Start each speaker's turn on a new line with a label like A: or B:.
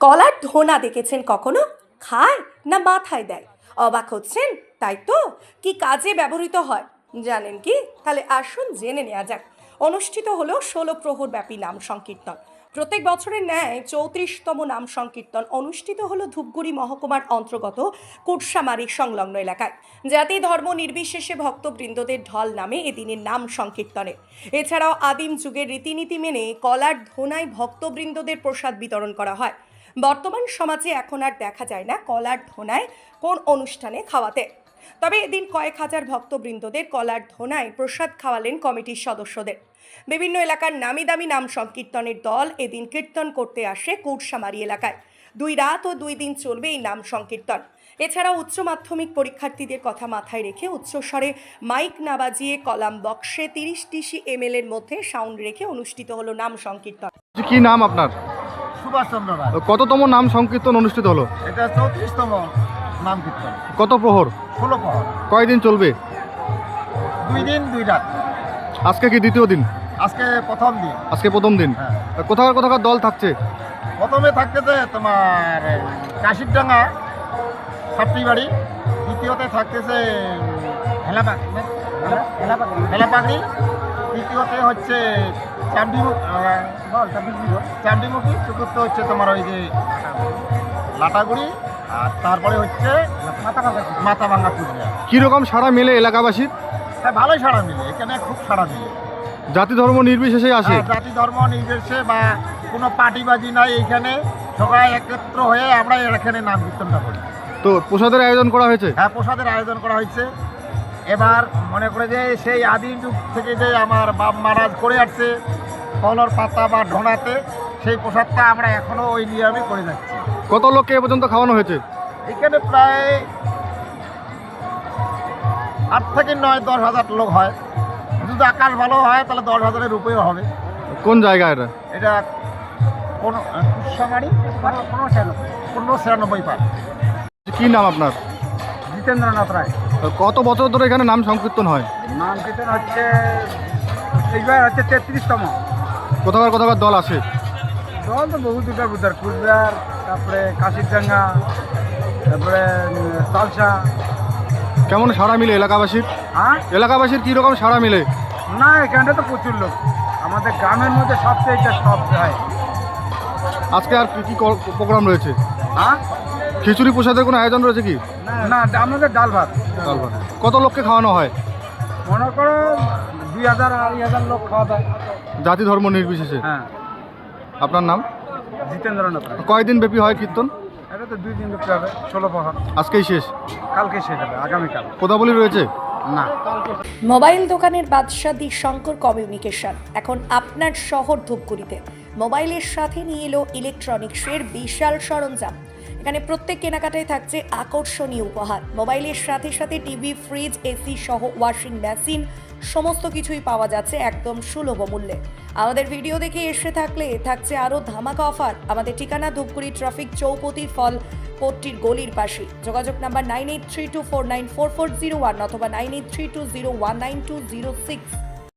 A: কলার ধোনা দেখেছেন কখনো? খায় না মাথায় দেয়? অবাক হচ্ছেন তাই তো? কি কাজে ব্যবহৃত হয় জানেন কি? তাহলে আসুন জেনে নেওয়া যাক। অনুষ্ঠিত হলো 16 প্রহর ব্যাপী নাম সংকীর্তন। প্রত্যেক বছরের ন্যায় 34তম নাম সংকীর্তন অনুষ্ঠিত হলো ধূপগুড়ি মহকুমার অন্তর্গত কুটসামারি সংলগ্ন এলাকায়। জাতি ধর্ম নির্বিশেষে ভক্তবৃন্দদের ঢল নামে এদিনের নাম সংকীর্তনে। এছাড়াও আদিম যুগের রীতিনীতি মেনে কলার ধোনায় ভক্তবৃন্দদের প্রসাদ বিতরণ করা হয়। বর্তমান সমাজে এখন আর দেখা যায় না কলার ধোনায় কোন অনুষ্ঠানে খাওয়াতে। তবে এদিন কয়েক হাজার ভক্তবৃন্দদের কলার ধোনায় প্রসাদ খাওয়ালেন কমিটির সদস্যদের। বিভিন্ন এলাকার নামি দামি নাম সংকীর্তনের দল এদিন কীর্তন করতে আসে কুটসামারি এলাকায়। 2 রাত ও 2 দিন চলবে এই নাম সংকীর্তন। এছাড়াও উচ্চ মাধ্যমিক পরীক্ষার্থীদের কথা মাথায় রেখে উচ্চস্বরে মাইক না বাজিয়ে কলাম বক্সে 30 ডিসি এমএল এর মধ্যে সাউন্ড রেখে অনুষ্ঠিত হলো নাম সংকীর্তন।
B: কি নাম আপনার?
C: সুভাষ চন্দ্র রায়।
B: কততম নাম সংকীর্তন অনুষ্ঠিত হলো?
C: এটা 34তম নাম কীর্তন।
B: কত প্রহর?
C: 16 প্রহর।
B: কয়দিন চলবে?
C: 2 দিন 2 রাত।
B: আজকে কি দ্বিতীয় দিন?
C: আজকে প্রথম দিন।
B: আজকে প্রথম দিন।
C: হ্যাঁ।
B: কোথাকার কোথাকার দল থাকছে?
C: প্রথমে থাকতেছে তোমার কাশিরডাঙ্গা সাপটিবাড়ি, দ্বিতীয়তে থাকতেছে হেলাপাগড়ি, তৃতীয়তে হচ্ছে চামডিমুখী, চতুর্থ হচ্ছে তোমার ওই যে লাটাগুড়ি, আর তারপরে হচ্ছে মাথাভাঙ্গা কুচবিহার।
B: কীরকম সাড়া মেলে এলাকাবাসীর?
C: হ্যাঁ, ভালোই সাড়া মিলে, এখানে খুব সাড়া মিলে।
B: জাতি ধর্ম নির্বিশেষে আসে?
C: জাতি ধর্ম নির্বিশেষে বা কোনো পার্টিবাজি নাই, এইখানে সবাই একত্র হয়ে আমরা এখানে নাম কীর্তনটা করি।
B: তো প্রসাদের আয়োজন করা হয়েছে?
C: হ্যাঁ, প্রসাদের আয়োজন করা হয়েছে। এবার মনে করে যে সেই আদিম যুগ থেকে যে আমার বাপ মহারাজ করে আসছে কলর পাতা বা ঢোনাতে, সেই প্রসাদটা আমরা এখনও ওই নিয়মে করে যাচ্ছি।
B: কত লোককে এ পর্যন্ত খাওয়ানো হয়েছে?
C: এখানে প্রায় 8 থেকে 9-10 হাজার লোক হয়। যদি আকাশ ভালো হয় তাহলে 10 হাজারের উপরেও হবে।
B: কোন জায়গা এটা?
C: এটা কোনো কুটসামারি 1596 পার।
B: কি নাম আপনার?
C: জিতেন্দ্রনাথ রায়।
B: কত বছর ধরে এখানে নাম সংকীর্তন হয়?
C: নাম কীর্তন হচ্ছে এইবার হচ্ছে 33তম।
B: কোথাকার কোথাকার দল আসে?
C: দল তো বহু দুটার বুধার, কুচবিহার, তারপরে কাশিরডাঙ্গা, তারপরে সালসা।
B: কেমন সাড়া মিলে এলাকাবাসীর?
C: হ্যাঁ,
B: এলাকাবাসীর কীরকম সাড়া মিলে?
C: না এখানটা তো প্রচুর লোক, আমাদের গ্রামের মধ্যে সবচেয়ে এটা সব হয়।
B: আজকে আর কি কি প্রোগ্রাম রয়েছে?
C: হ্যাঁ,
B: খিচুড়ি প্রসাদের কোনো আয়োজন রয়েছে কি?
C: না আমাদের ডাল ভাত।
B: ডাল ভাত। কত লোককে খাওয়ানো হয়?
C: মনে করো 2000 2,000 লোক খাওয়া দাওয়া।
B: জাতি ধর্ম নির্বিশেষে?
C: হ্যাঁ।
B: আপনার নাম?
C: জিতেন্দ্রনাথ রায়।
B: কয়দিন ব্যাপী হয় কীর্তন?
C: এটা তো 2 দিন করতে হবে, 16 প্রহর।
B: আজকেই শেষ?
C: কালকে শেষ হবে, আগামীকাল।
B: কোথাবলি রয়েছে?
C: না।
A: মোবাইল দোকানের বাদশা দি শঙ্কর কমিউনিকেশন এখন আপনার শহর ধূপগুড়িতে মোবাইলের সাথে নিয়ে এলো ইলেকট্রনিক্সের বিশাল সরঞ্জাম। এখানে প্রত্যেক কেনাকাটায় থাকছে আকর্ষণীয় উপহার। মোবাইলের সাথে সাথে টিভি, ফ্রিজ, এসি সহ ওয়াশিং মেশিন সমস্ত কিছুই পাওয়া যাচ্ছে একদম সুলভ মূল্যে। আমাদের ভিডিও দেখে এসে থাকলে থাকছে আরও ধামাকা অফার। আমাদের ঠিকানা ধূপগুড়ি ট্রাফিক চৌপতি ফল কোর্টটির গলির পাশে। যোগাযোগ নাম্বার 9832494401 অথবা 9832019206।